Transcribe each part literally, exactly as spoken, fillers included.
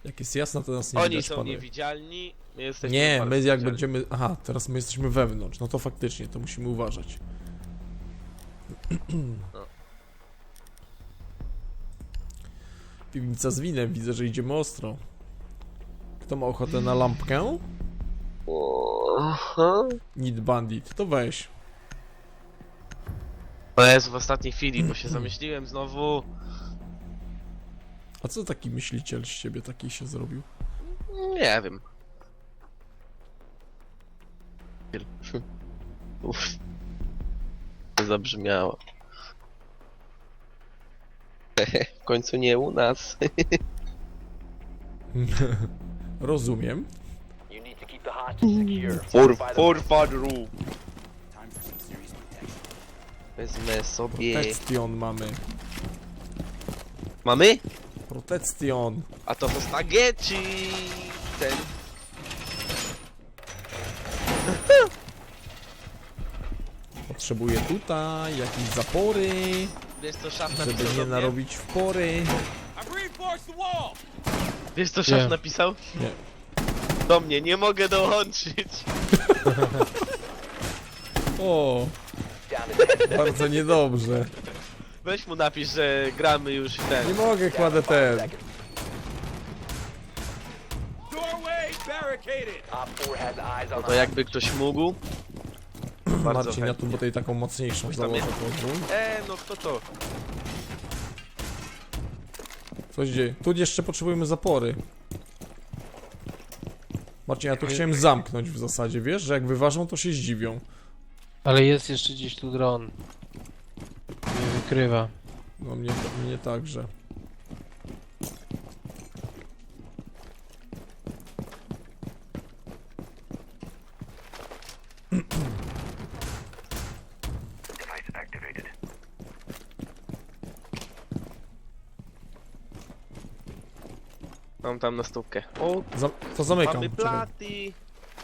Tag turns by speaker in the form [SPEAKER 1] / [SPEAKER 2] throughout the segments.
[SPEAKER 1] Jak jest jasno, to nas nie
[SPEAKER 2] Oni
[SPEAKER 1] widać,
[SPEAKER 2] są
[SPEAKER 1] panowie.
[SPEAKER 2] niewidzialni, my jesteśmy
[SPEAKER 1] Nie,
[SPEAKER 2] bardzo
[SPEAKER 1] my jak
[SPEAKER 2] widzialni.
[SPEAKER 1] będziemy... Aha, teraz my jesteśmy wewnątrz, no to faktycznie, to musimy uważać.
[SPEAKER 2] No.
[SPEAKER 1] Piwnica z winem, widzę, że idziemy ostro. Kto ma ochotę na lampkę?
[SPEAKER 2] Aha.
[SPEAKER 1] Need Bandit, to weź.
[SPEAKER 2] To jest w ostatniej chwili, bo się zamyśliłem znowu.
[SPEAKER 1] A co taki myśliciel z ciebie taki się zrobił?
[SPEAKER 2] Nie wiem. Uff. To zabrzmiało. W końcu nie u nas.
[SPEAKER 1] Rozumiem.
[SPEAKER 2] For, for fadru. Wezmę sobie...
[SPEAKER 1] Protection mamy.
[SPEAKER 2] Mamy?
[SPEAKER 1] Protection.
[SPEAKER 2] A to to spaghetti. Ten.
[SPEAKER 1] Potrzebuję tutaj jakieś zapory,
[SPEAKER 2] Wiesz co szaf
[SPEAKER 1] żeby
[SPEAKER 2] napisał
[SPEAKER 1] nie
[SPEAKER 2] do mnie?
[SPEAKER 1] narobić w pory.
[SPEAKER 2] Wiesz co szaf
[SPEAKER 3] Nie.
[SPEAKER 2] napisał?
[SPEAKER 1] Nie.
[SPEAKER 2] Do mnie, nie mogę dołączyć.
[SPEAKER 1] O, bardzo niedobrze.
[SPEAKER 2] Weź mu napisz, że gramy już i ten.
[SPEAKER 1] Nie mogę, kładę ten.
[SPEAKER 2] No to jakby ktoś mógł. Bardzo
[SPEAKER 1] Marcin, ja tu
[SPEAKER 2] chętnie.
[SPEAKER 1] bo tej taką mocniejszą
[SPEAKER 2] tam
[SPEAKER 1] założę,
[SPEAKER 2] jest?
[SPEAKER 1] pozwól.
[SPEAKER 2] E, no kto to?
[SPEAKER 1] Co się dzieje? Tu jeszcze potrzebujemy zapory. Marcin, ja tu chciałem zamknąć w zasadzie, wiesz, że jak wyważą, to się zdziwią.
[SPEAKER 3] Ale jest jeszcze gdzieś tu dron. Nie wykrywa.
[SPEAKER 1] No mnie, mnie także.
[SPEAKER 2] Mam tam na stópkę. O,
[SPEAKER 1] Za to zamykam.
[SPEAKER 2] mamy
[SPEAKER 1] Czekaj.
[SPEAKER 2] platy.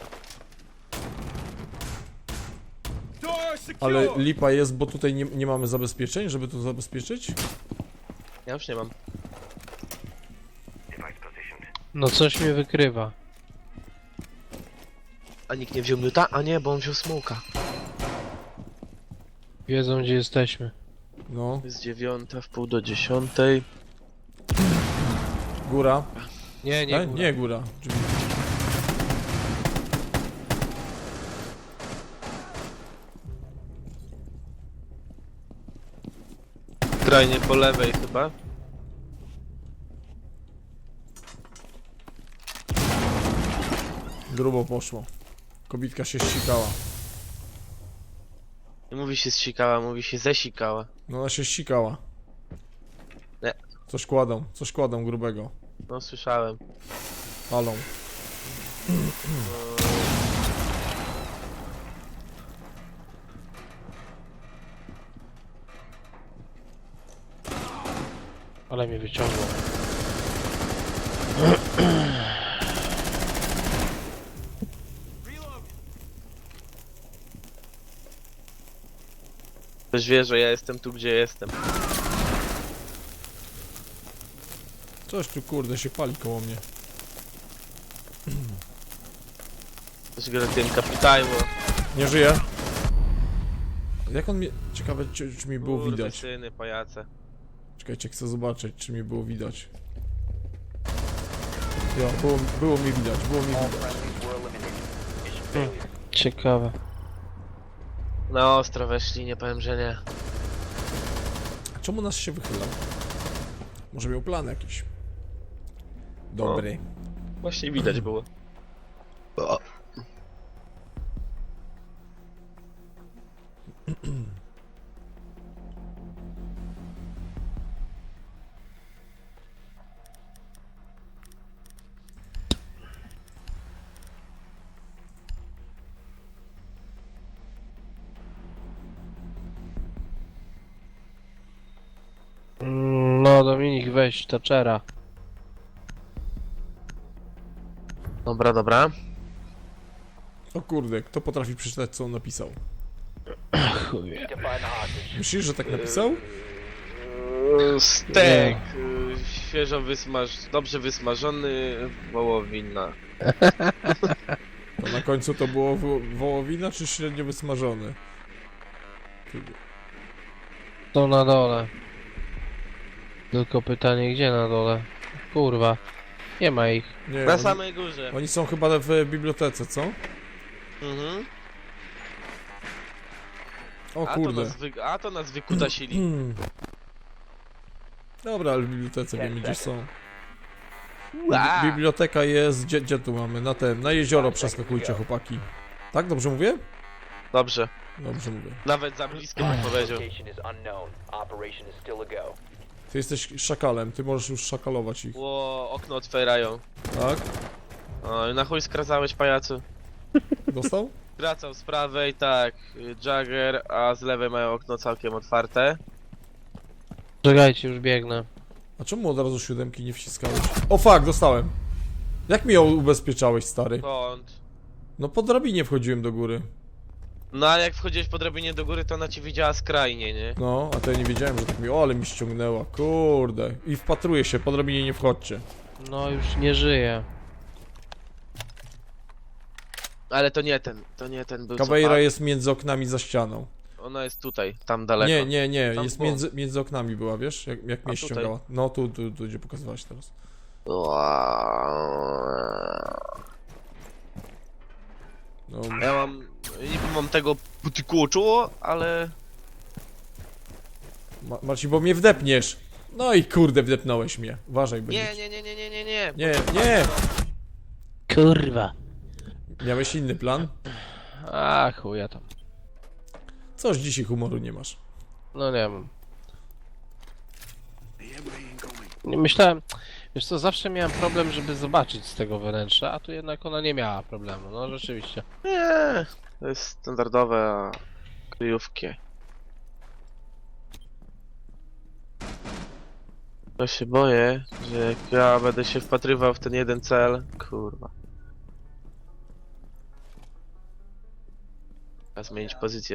[SPEAKER 1] Ale lipa jest, bo tutaj nie, nie mamy zabezpieczeń, żeby to zabezpieczyć?
[SPEAKER 2] Ja już nie mam.
[SPEAKER 3] No coś mnie wykrywa.
[SPEAKER 2] A nikt nie wziął miuta? A nie, bo on wziął smoka.
[SPEAKER 3] Wiedzą gdzie jesteśmy.
[SPEAKER 1] No,
[SPEAKER 2] Jest dziewiąta, w pół do dziesiątej.
[SPEAKER 1] góra.
[SPEAKER 3] Nie, nie,
[SPEAKER 1] E?
[SPEAKER 3] góra.
[SPEAKER 1] Nie, góra. Drzwi.
[SPEAKER 2] Skrajnie po lewej chyba.
[SPEAKER 1] Grubo poszło. Kobitka się ścikała.
[SPEAKER 2] Nie mówi się zsikała, mówi się zesikała.
[SPEAKER 1] No ona się ścikała.
[SPEAKER 2] Nie.
[SPEAKER 1] Coś kładą, coś kładą grubego.
[SPEAKER 2] No słyszałem.
[SPEAKER 1] Palą.
[SPEAKER 3] Ale mnie wyciągnął.
[SPEAKER 2] Ktoś wie, że ja jestem tu, gdzie jestem.
[SPEAKER 1] Coś tu kurde się pali koło mnie.
[SPEAKER 2] Ktoś gra tym kapitajło.
[SPEAKER 1] Nie żyje. Jak on mnie... Ciekawe czy, czy mi było
[SPEAKER 2] Kurde,
[SPEAKER 1] widać.
[SPEAKER 2] syny, pajace.
[SPEAKER 1] Czekajcie, chcę zobaczyć czy mi było widać. Jo, było, było mi widać, było mi widać.
[SPEAKER 3] Ciekawe.
[SPEAKER 2] Na ostro weszli, nie powiem, że nie.
[SPEAKER 1] A czemu nas się wychylał? Może miał plan jakiś. Dobry.
[SPEAKER 2] Właśnie widać było. O.
[SPEAKER 3] Mm, No Dominik, weź Thatchera.
[SPEAKER 2] Dobra, dobra.
[SPEAKER 1] O kurde, kto potrafi przeczytać co on napisał?
[SPEAKER 3] Chuj.
[SPEAKER 1] Myślisz, że tak napisał?
[SPEAKER 2] E, Stek, e, świeżo wysmaż... dobrze wysmażony, wołowina.
[SPEAKER 1] To na końcu to było wo wołowina czy średnio wysmażony?
[SPEAKER 3] To na dole. Tylko pytanie, gdzie na dole? Kurwa. Nie ma ich.
[SPEAKER 1] Nie,
[SPEAKER 2] Na
[SPEAKER 1] oni,
[SPEAKER 2] samej górze.
[SPEAKER 1] oni są chyba w bibliotece, co?
[SPEAKER 2] Mhm.
[SPEAKER 1] O
[SPEAKER 2] A to,
[SPEAKER 1] kurde.
[SPEAKER 2] nas wy... A to nas wykutasili.
[SPEAKER 1] Hmm. Dobra, ale w bibliotece wiemy gdzie są.
[SPEAKER 2] Ua!
[SPEAKER 1] Biblioteka jest, gdzie, gdzie tu mamy? Na ten, na jezioro przeskakujcie chłopaki. Tak, dobrze mówię?
[SPEAKER 2] Dobrze.
[SPEAKER 1] Dobrze mówię.
[SPEAKER 2] Nawet za blisko bym powiedział.
[SPEAKER 4] Location is unknown. Operation is still a go.
[SPEAKER 1] Ty jesteś szakalem, ty możesz już szakalować ich,
[SPEAKER 2] Ło, okno otwierają.
[SPEAKER 1] tak?
[SPEAKER 2] O, na chuj skracałeś, pajacu.
[SPEAKER 1] Dostał?
[SPEAKER 2] Skracał z prawej, tak, Jagger, a z lewej mają okno całkiem otwarte.
[SPEAKER 3] Czekajcie, już biegnę.
[SPEAKER 1] A czemu od razu siódemki nie wciskałeś? O fuck, dostałem. Jak mi ją ubezpieczałeś, stary?
[SPEAKER 2] Skąd?
[SPEAKER 1] No po drabinie wchodziłem do góry.
[SPEAKER 2] No ale jak wchodziłeś po drabinie do góry, to ona cię widziała skrajnie, nie?
[SPEAKER 1] No, a to ja nie wiedziałem, że tak mi... O, ale mi ściągnęła, kurde. I wpatruję się, po drabinie nie wchodźcie.
[SPEAKER 3] No już nie żyję.
[SPEAKER 2] Ale to nie ten, to nie ten był co
[SPEAKER 1] Caveira
[SPEAKER 2] padł.
[SPEAKER 1] jest między oknami za ścianą.
[SPEAKER 2] Ona jest tutaj, tam daleko.
[SPEAKER 1] Nie, nie, nie,
[SPEAKER 2] Tam
[SPEAKER 1] jest
[SPEAKER 2] było.
[SPEAKER 1] między, między oknami była, wiesz? Jak, jak mnie
[SPEAKER 2] A tutaj?
[SPEAKER 1] ściągała. No, tu, tu, tu, gdzie pokazywałaś teraz. No,
[SPEAKER 2] Ja mam, niby mam tego putykuczu, ale...
[SPEAKER 1] Ma Marcin, bo mnie wdepniesz. No i kurde, wdepnąłeś mnie. Uważaj, będzie.
[SPEAKER 2] Nie, nie, nie, nie, nie, nie, nie.
[SPEAKER 1] Nie, nie!
[SPEAKER 3] Kurwa.
[SPEAKER 1] Miałeś inny plan?
[SPEAKER 3] A chuja tam.
[SPEAKER 1] Coś dzisiaj humoru nie masz.
[SPEAKER 3] No nie wiem. Nie myślałem... Wiesz co, zawsze miałem problem, żeby zobaczyć z tego wnętrza, a tu jednak ona nie miała problemu, no rzeczywiście.
[SPEAKER 2] Nie, to jest standardowe kryjówki. Ja się boję, że jak ja będę się wpatrywał w ten jeden cel, kurwa. Trzeba zmienić pozycję.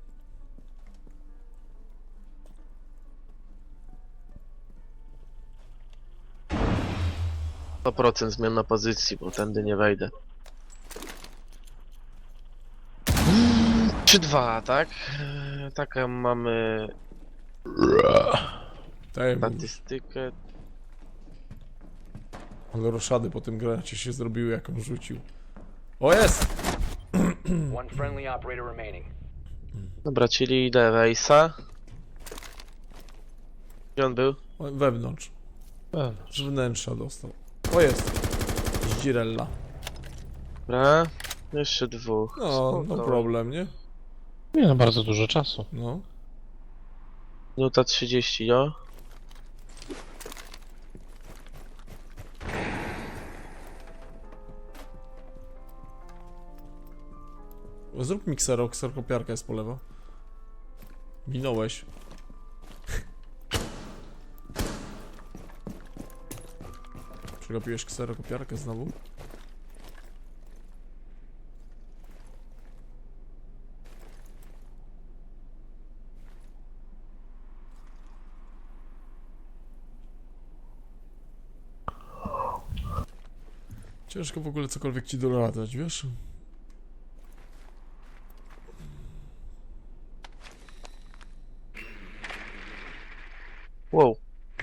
[SPEAKER 2] sto procent zmiana pozycji, bo tędy nie wejdę. trzy dwa, tak? Eee, Taką mamy
[SPEAKER 1] Tak,
[SPEAKER 2] statystykę.
[SPEAKER 1] ale roszady po tym granacie się zrobiły, jak on rzucił. O, jest!
[SPEAKER 4] One friendly operator remaining.
[SPEAKER 2] Dobra, czyli idę Wejsa. Gdzie on był?
[SPEAKER 1] O, wewnątrz.
[SPEAKER 3] Pewnie.
[SPEAKER 1] Z wnętrza dostał. O, jest! Zdzirella.
[SPEAKER 2] Dobra, jeszcze dwóch.
[SPEAKER 1] No, no
[SPEAKER 2] Spoko.
[SPEAKER 1] problem, nie?
[SPEAKER 3] Nie no, bardzo dużo czasu.
[SPEAKER 1] No.
[SPEAKER 2] Minuta trzydzieści, no.
[SPEAKER 1] Zrób mi ksero, kserkopiarka jest po lewo. Minąłeś. Przegapiłeś kserokopiarkę znowu? Ciężko w ogóle cokolwiek ci doradzać, wiesz?
[SPEAKER 2] Wow.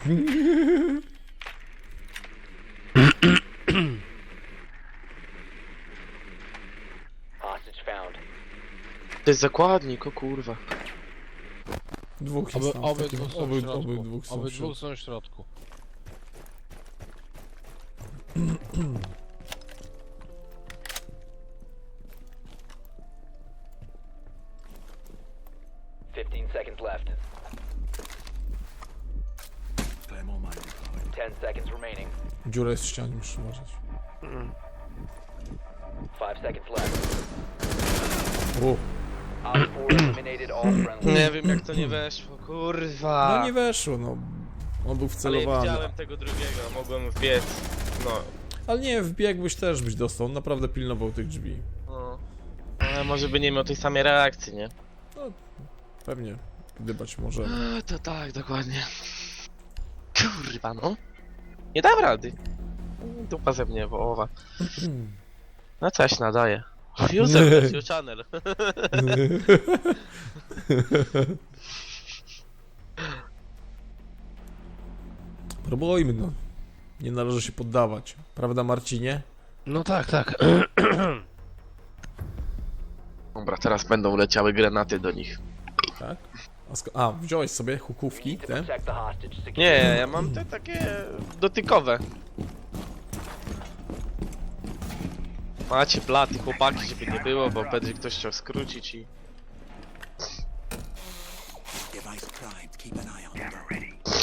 [SPEAKER 4] Hostage found.
[SPEAKER 2] To jest zakładnik, o kurwa.
[SPEAKER 1] Dwóch jest
[SPEAKER 3] Oby,
[SPEAKER 1] tam,
[SPEAKER 3] oby,
[SPEAKER 1] takim-
[SPEAKER 3] dwóch są
[SPEAKER 1] oby,
[SPEAKER 3] w środku.
[SPEAKER 1] oby dwóch są w
[SPEAKER 3] Obydwóch
[SPEAKER 1] środku.
[SPEAKER 3] są w środku.
[SPEAKER 4] Fifteen seconds left. Ten seconds remaining.
[SPEAKER 1] Dziura jest w ścianie, musisz uważać.
[SPEAKER 4] Five seconds left.
[SPEAKER 1] O,
[SPEAKER 4] Op four eliminated all friendly.
[SPEAKER 2] Nie wiem jak to nie weszło, kurwa.
[SPEAKER 1] no nie weszło, no. On był
[SPEAKER 2] Ale
[SPEAKER 1] wcelowany.
[SPEAKER 2] widziałem tego drugiego, mogłem wbiec. No.
[SPEAKER 1] Ale nie, wbiegłbyś też byś dostał. On naprawdę pilnował tych drzwi.
[SPEAKER 2] no. Ale może by nie miał tej samej reakcji, nie?
[SPEAKER 1] Pewnie. Gdybać może.
[SPEAKER 2] A, to tak, dokładnie. Kurwa no. Nie dam rady. Dupa ze mnie wołowa. No coś nadaje. User, bless your channel.
[SPEAKER 1] Próbujmy, no. Nie należy się poddawać. Prawda, Marcinie?
[SPEAKER 3] No tak, tak.
[SPEAKER 2] Dobra, teraz będą leciały granaty do nich.
[SPEAKER 1] Tak? A, sko- A wziąłeś sobie hukówki,
[SPEAKER 4] Need to
[SPEAKER 1] te?
[SPEAKER 4] protect the hostage. Secure.
[SPEAKER 2] Nie, ja mam te takie dotykowe. Macie platy, chłopaki, żeby nie było, bo będzie ktoś chciał skrócić i...
[SPEAKER 5] Device primed. Keep an eye on the door.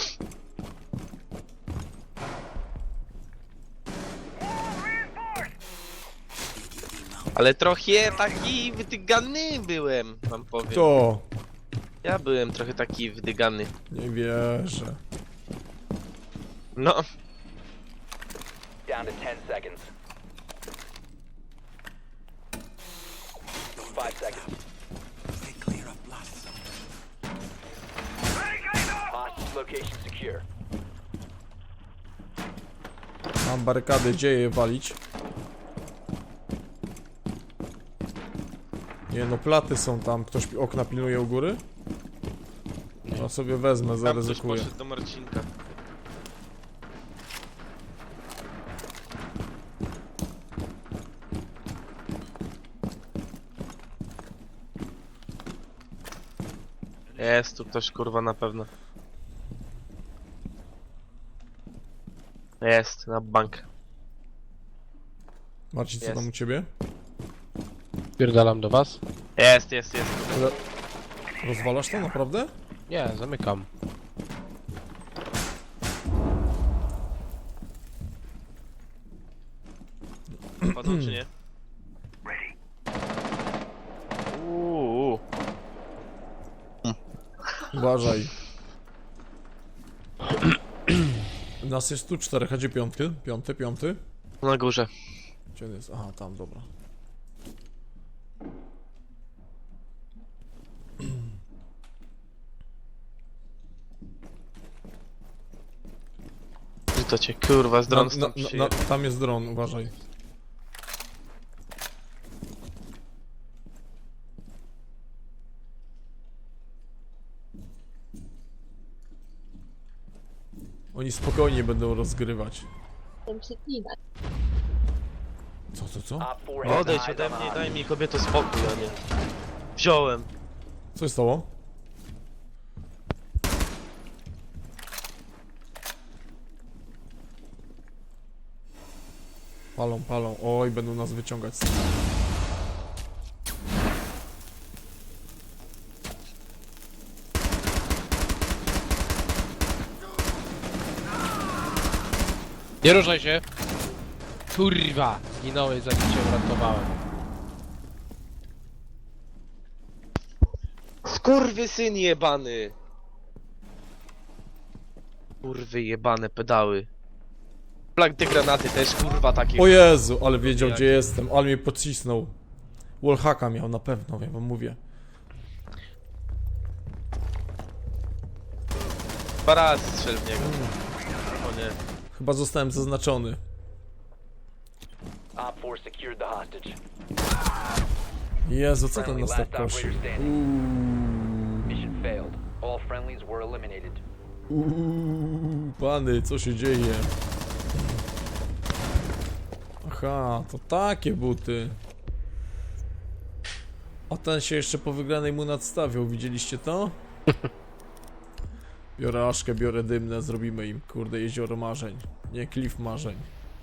[SPEAKER 2] Ale trochę taki wydygany byłem, wam powiem.
[SPEAKER 1] To!
[SPEAKER 2] Ja byłem trochę taki wydygany.
[SPEAKER 1] Nie wierzę.
[SPEAKER 2] No,
[SPEAKER 4] Down to ten seconds. Five seconds.
[SPEAKER 5] Stay clear of blast zone.
[SPEAKER 4] Hostage location secure.
[SPEAKER 1] Mam barykady, gdzie je walić? Nie no, platy są tam. Ktoś pi- okna pilnuje u góry? No sobie wezmę,
[SPEAKER 2] tam ktoś
[SPEAKER 1] zaryzykuję.
[SPEAKER 2] poszedł do Marcinka. Jest tu ktoś kurwa na pewno. Jest, na bank.
[SPEAKER 1] Marcin, co
[SPEAKER 2] Jest.
[SPEAKER 1] tam u ciebie?
[SPEAKER 3] Pierdalam do was?
[SPEAKER 2] Jest, jest, jest.
[SPEAKER 1] Rozwalasz to naprawdę?
[SPEAKER 3] Nie, zamykam.
[SPEAKER 2] Wchodzą czy nie? Uuu.
[SPEAKER 1] Uważaj. Nas jest tu czterech, a gdzie piątky? Piąty, piąty?
[SPEAKER 2] Na górze.
[SPEAKER 1] Gdzie on jest? Aha, tam, dobra.
[SPEAKER 2] Gdzie to cię kurwa z dron
[SPEAKER 1] Na,
[SPEAKER 2] stąd
[SPEAKER 1] na, na,
[SPEAKER 2] przyjechał.
[SPEAKER 1] tam jest dron, uważaj. Oni spokojnie będą rozgrywać.
[SPEAKER 6] Tym przeklinać.
[SPEAKER 1] Co, co, co?
[SPEAKER 4] Op four has
[SPEAKER 2] Odejdź
[SPEAKER 4] eyes
[SPEAKER 2] ode
[SPEAKER 4] on the
[SPEAKER 2] mnie,
[SPEAKER 4] hostage.
[SPEAKER 2] daj mi kobieto spokój, a nie. Wziąłem.
[SPEAKER 1] Co się stało? Palą, palą. Oj, będą nas wyciągać.
[SPEAKER 3] Nie ruszaj się! Kurwa! Zginąłeś, zanim cię uratowałem.
[SPEAKER 2] Skurwy syn jebany! Kurwy jebane pedały. Plak te granaty też kurwa takie.
[SPEAKER 1] O Jezu, ale wiedział
[SPEAKER 2] Jak-
[SPEAKER 1] gdzie jestem, ale mnie pocisnął. Wallhacka miał na pewno, ja wam mówię.
[SPEAKER 2] Dwa razy strzel w niego. O nie.
[SPEAKER 1] Chyba zostałem zaznaczony.
[SPEAKER 4] Op four secured the hostage.
[SPEAKER 1] Jezu, co ten
[SPEAKER 4] Friendly
[SPEAKER 1] nas tak
[SPEAKER 4] last
[SPEAKER 1] kosi?
[SPEAKER 4] operator standing.
[SPEAKER 1] Uuu,
[SPEAKER 4] Mission failed. All friendlies were eliminated.
[SPEAKER 1] uuu, pany, co się dzieje? Aha, to takie buty. A ten się jeszcze po wygranej mu nadstawiał, widzieliście to? Biorę aszkę, biorę dymne, zrobimy im, kurde, jezioro marzeń. Nie, klif marzeń.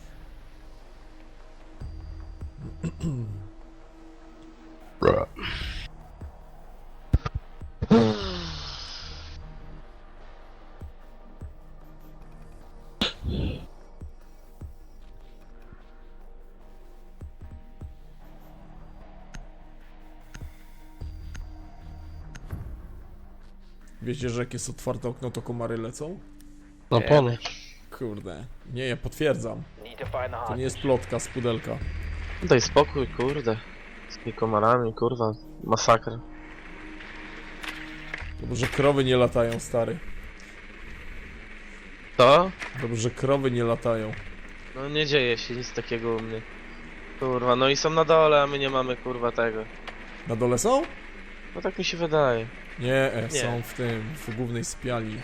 [SPEAKER 1] Wiecie, że jak jest otwarte okno, to komary lecą?
[SPEAKER 3] No ponu.
[SPEAKER 1] Kurde. Nie, ja potwierdzam.
[SPEAKER 4] Need to find the
[SPEAKER 1] To nie
[SPEAKER 4] hostage.
[SPEAKER 1] jest plotka z pudelka.
[SPEAKER 2] Daj spokój, kurde. Z tymi komarami, kurwa. Masakra.
[SPEAKER 1] To może krowy nie latają, stary.
[SPEAKER 2] To?
[SPEAKER 1] Dobrze, że krowy nie latają.
[SPEAKER 2] No nie dzieje się nic takiego u mnie. Kurwa, no i są na dole, a my nie mamy kurwa tego.
[SPEAKER 1] Na dole są?
[SPEAKER 2] No tak mi się wydaje.
[SPEAKER 1] Nie, e,
[SPEAKER 2] Nie.
[SPEAKER 1] są w tym, w głównej sypialni.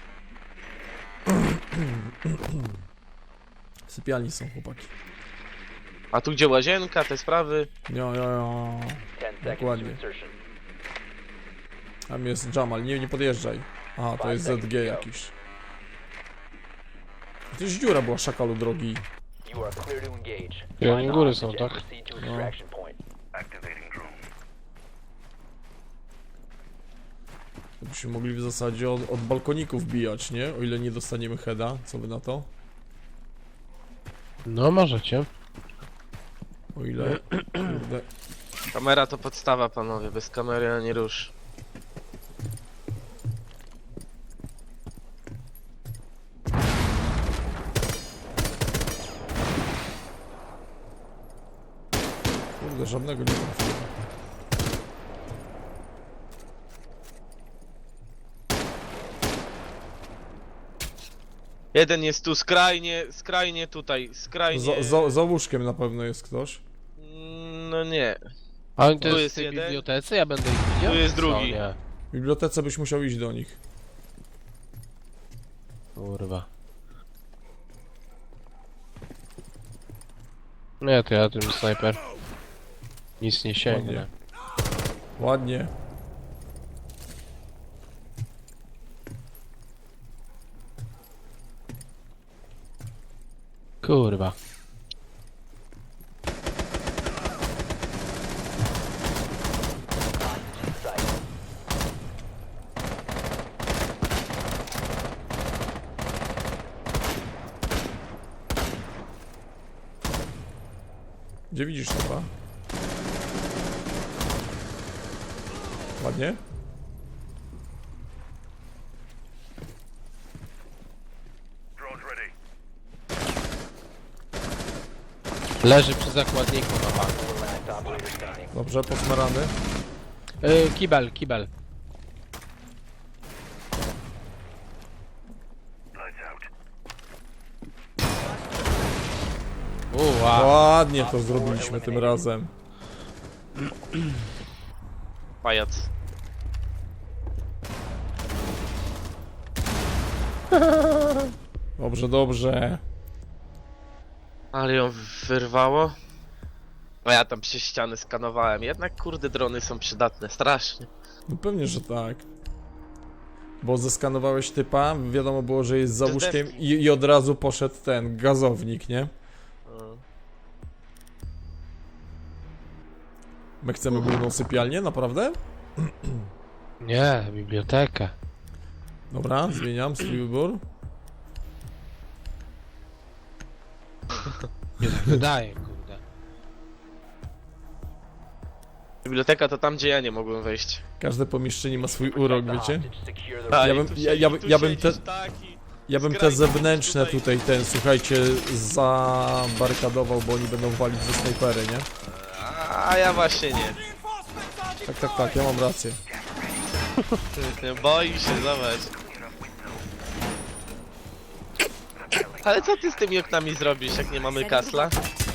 [SPEAKER 1] W sypialni są chłopaki.
[SPEAKER 2] A tu gdzie łazienka, te sprawy?
[SPEAKER 1] Jo, jo, jo.
[SPEAKER 4] ten seconds to
[SPEAKER 1] Dokładnie.
[SPEAKER 4] insertion.
[SPEAKER 1] Tam jest Jamal, nie, nie podjeżdżaj. Aha, to jest Z G jakiś. Gdzieś dziura była, szakalu drogi.
[SPEAKER 4] You are clear to engage.
[SPEAKER 3] I oni
[SPEAKER 4] Find
[SPEAKER 3] góry
[SPEAKER 4] the
[SPEAKER 3] są,
[SPEAKER 4] hostage and
[SPEAKER 3] tak?
[SPEAKER 4] proceed to
[SPEAKER 1] No.
[SPEAKER 4] extraction point.
[SPEAKER 1] To byśmy mogli w zasadzie od, od balkoników bijać, nie? O ile nie dostaniemy heada, co wy na to?
[SPEAKER 3] No możecie.
[SPEAKER 1] O ile... Kurde.
[SPEAKER 2] Kamera to podstawa, panowie. Bez kamery ani rusz.
[SPEAKER 1] Kurde, żadnego nie trafiłem.
[SPEAKER 2] Jeden jest tu skrajnie, skrajnie tutaj, skrajnie...
[SPEAKER 1] Za, za, za łóżkiem na pewno jest ktoś.
[SPEAKER 2] Mm, No nie.
[SPEAKER 3] A oni to
[SPEAKER 2] Tu
[SPEAKER 3] jest w
[SPEAKER 2] jest
[SPEAKER 3] tej
[SPEAKER 2] jeden.
[SPEAKER 3] bibliotece? Ja będę ich widział?
[SPEAKER 2] Tu jest
[SPEAKER 3] Co,
[SPEAKER 2] drugi.
[SPEAKER 3] nie.
[SPEAKER 1] W bibliotece byś musiał iść do nich.
[SPEAKER 3] Kurwa. Nie, to ja tym snajper. Nic nie sięgnę.
[SPEAKER 1] Ładnie.
[SPEAKER 3] Kurwa.
[SPEAKER 4] Site.
[SPEAKER 1] Gdzie widzisz chyba? Ładnie?
[SPEAKER 3] Leży przy zakładniku na bank.
[SPEAKER 4] Four last operator standing.
[SPEAKER 1] Dobrze, posmarany.
[SPEAKER 3] Yy, kibel, kibel. Uła.
[SPEAKER 1] Ładnie to zrobiliśmy tym razem.
[SPEAKER 2] Pajac.
[SPEAKER 1] Dobrze, dobrze.
[SPEAKER 2] Ale ją wyrwało. A ja tam przez ściany skanowałem. Jednak kurde drony są przydatne, strasznie.
[SPEAKER 1] No pewnie, że tak. Bo zeskanowałeś typa, wiadomo było, że jest za
[SPEAKER 2] Przez
[SPEAKER 1] łóżkiem
[SPEAKER 2] deski.
[SPEAKER 1] i, i od razu poszedł ten gazownik, nie?
[SPEAKER 2] No.
[SPEAKER 1] My chcemy główną sypialnię, naprawdę?
[SPEAKER 3] Nie, bibliotekę.
[SPEAKER 1] Dobra, zmieniam swój wybór.
[SPEAKER 3] Nie tak wydaje, kurde.
[SPEAKER 2] Biblioteka to tam, gdzie ja nie mogłem wejść.
[SPEAKER 1] Każde pomieszczenie ma swój urok,
[SPEAKER 4] The
[SPEAKER 1] wiecie?
[SPEAKER 4] hostage. Secure the
[SPEAKER 2] Tak,
[SPEAKER 1] Ja
[SPEAKER 2] i
[SPEAKER 1] bym-
[SPEAKER 2] tu
[SPEAKER 1] ja-
[SPEAKER 2] siedzi-
[SPEAKER 1] ja by-
[SPEAKER 2] tu
[SPEAKER 1] ja bym
[SPEAKER 2] siedzisz
[SPEAKER 1] te-
[SPEAKER 2] taki.
[SPEAKER 1] Ja bym te
[SPEAKER 2] Skrajnie
[SPEAKER 1] zewnętrzne
[SPEAKER 2] tutaj.
[SPEAKER 1] tutaj, ten, słuchajcie, zabarykadował, bo oni będą walić ze snajpery, nie?
[SPEAKER 2] A ja właśnie nie.
[SPEAKER 1] Tak, tak, tak, ja mam rację.
[SPEAKER 2] Nie boi się, zobacz. Ale co ty z tymi oknami zrobisz, jak nie mamy kasla?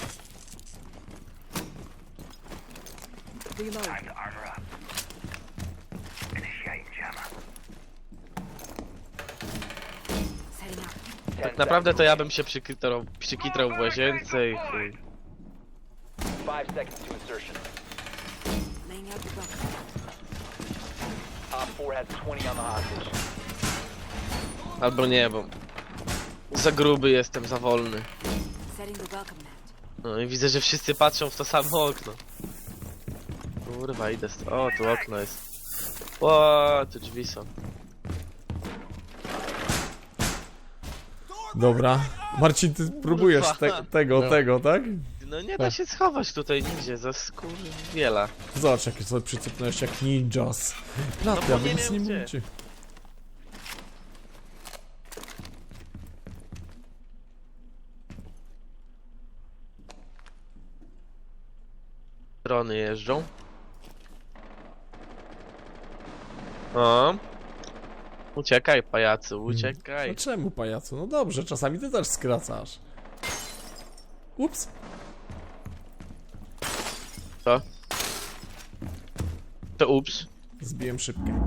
[SPEAKER 2] Tak naprawdę to ja bym się przykitrał, przykitrał w łazience i chuj.
[SPEAKER 4] Five seconds to insertion.
[SPEAKER 6] Laying out the welcome mat.
[SPEAKER 4] Op four has twenty on the hostage.
[SPEAKER 2] Albo nie, bo za gruby jestem, za wolny.
[SPEAKER 6] Setting the welcome mat.
[SPEAKER 2] No i widzę, że wszyscy patrzą w to samo okno. Kurwa, idę st- O, tu okno jest. O, tu drzwi są.
[SPEAKER 1] Dobra. Marcin, ty próbujesz te, tego,
[SPEAKER 3] No.
[SPEAKER 1] tego, tak?
[SPEAKER 2] No nie da się schować tutaj nigdzie, za skurwiela.
[SPEAKER 1] Zobacz, jakie sobie przycypnąłeś jak ninjas.
[SPEAKER 2] No
[SPEAKER 1] Platy,
[SPEAKER 2] bo
[SPEAKER 1] a wy
[SPEAKER 2] nie
[SPEAKER 1] nic
[SPEAKER 2] wiem
[SPEAKER 1] nie
[SPEAKER 2] gdzie.
[SPEAKER 1] mówicie.
[SPEAKER 2] Drony jeżdżą. O. Uciekaj, pajacu,
[SPEAKER 1] No
[SPEAKER 2] uciekaj.
[SPEAKER 1] czemu, pajacu? No dobrze, czasami ty też skracasz. Ups.
[SPEAKER 2] Co? To ups.
[SPEAKER 1] Zbiłem szybkę.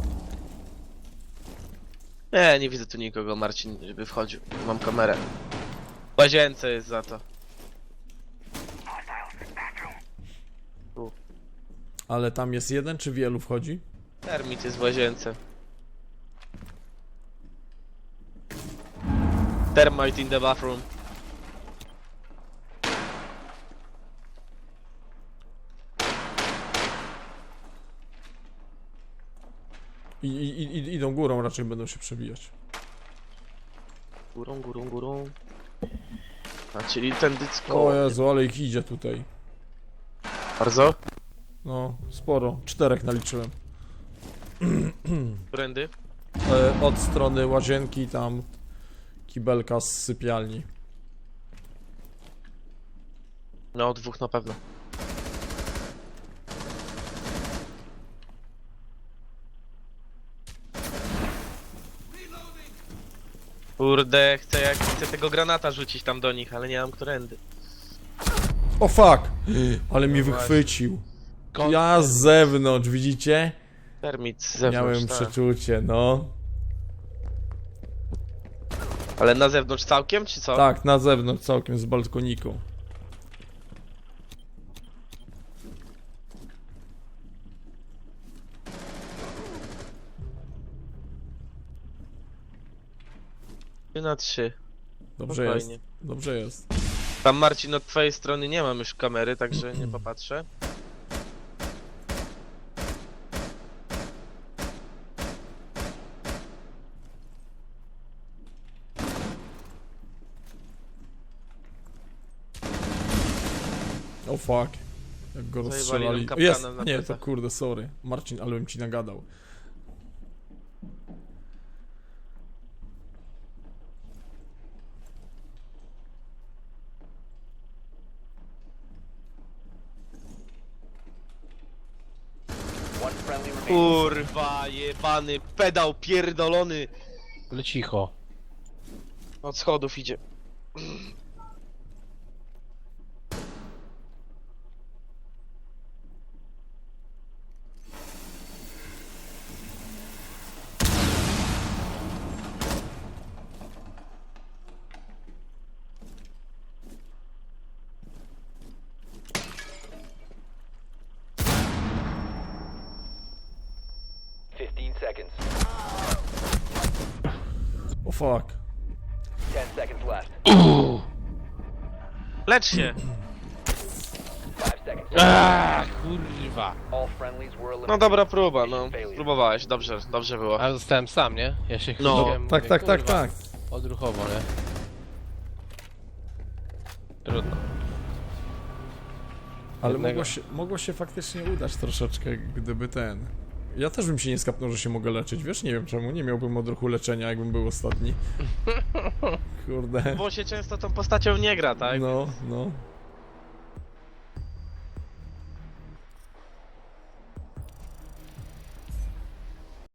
[SPEAKER 2] Nie, nie widzę tu nikogo, Marcin, żeby wchodził. Mam kamerę. W łazience jest za to.
[SPEAKER 1] Ale tam jest jeden, czy wielu wchodzi?
[SPEAKER 2] Termit jest w łazience. Termite in the bathroom.
[SPEAKER 1] I, i, i idą górą, raczej będą się przebijać.
[SPEAKER 2] Górą, górą, górą. A czyli ten dycko.
[SPEAKER 1] O Jezu, ale ich idzie tutaj.
[SPEAKER 2] Bardzo?
[SPEAKER 1] No, sporo. Czterech naliczyłem.
[SPEAKER 2] Brandy?
[SPEAKER 1] E, od strony łazienki tam kibelka z sypialni.
[SPEAKER 2] No, dwóch na pewno. Kurde, chcę jak chcę tego granata rzucić tam do nich, ale nie mam którędy.
[SPEAKER 1] O fuck! Ale mi
[SPEAKER 2] No właśnie.
[SPEAKER 1] wychwycił.
[SPEAKER 3] Kon-
[SPEAKER 1] Ja z zewnątrz, widzicie?
[SPEAKER 2] Termit z zewnątrz,
[SPEAKER 1] Miałem
[SPEAKER 2] tak.
[SPEAKER 1] przeczucie, no.
[SPEAKER 2] Ale na zewnątrz całkiem, czy co?
[SPEAKER 1] Tak, na zewnątrz całkiem z balkoniku.
[SPEAKER 2] trzy na trzy.
[SPEAKER 1] Dobrze
[SPEAKER 2] Spokojnie.
[SPEAKER 1] jest. Dobrze jest.
[SPEAKER 2] Tam Marcin od twojej strony nie mam już kamery, także nie popatrzę.
[SPEAKER 1] O fuck. Jak go
[SPEAKER 2] Zajebali
[SPEAKER 1] rozstrzelali.
[SPEAKER 2] nam kapkanem
[SPEAKER 1] Jest!
[SPEAKER 2] na
[SPEAKER 1] Nie, to
[SPEAKER 2] plecach.
[SPEAKER 1] kurde, sorry. Marcin, ale bym ci nagadał.
[SPEAKER 4] One friendly remaining.
[SPEAKER 2] Kurwa, jebany pedał pierdolony.
[SPEAKER 3] Ale cicho.
[SPEAKER 2] Od schodów idzie.
[SPEAKER 4] Fifteen seconds.
[SPEAKER 1] O fuck.
[SPEAKER 4] Ten seconds left.
[SPEAKER 2] Lecz się.
[SPEAKER 4] Five seconds.
[SPEAKER 3] Aaaa, kurwa.
[SPEAKER 4] All friendlies were eliminated.
[SPEAKER 2] No dobra próba, no. Próbowałeś, dobrze, dobrze było.
[SPEAKER 3] A zostałem sam, nie? Ja się
[SPEAKER 2] No.
[SPEAKER 3] chwyciłem,
[SPEAKER 1] Tak,
[SPEAKER 3] mówię,
[SPEAKER 1] tak, tak,
[SPEAKER 3] kurwa,
[SPEAKER 1] tak.
[SPEAKER 3] Odruchowo, nie? Trudno.
[SPEAKER 1] Ale
[SPEAKER 3] Jednego.
[SPEAKER 1] mogło się, mogło się faktycznie udać troszeczkę, gdyby ten... Ja też bym się nie skapnął, że się mogę leczyć, wiesz? Nie wiem czemu, nie miałbym odruchu leczenia, jakbym był ostatni. Kurde.
[SPEAKER 2] Bo się często tą postacią nie gra, tak?
[SPEAKER 1] No, no.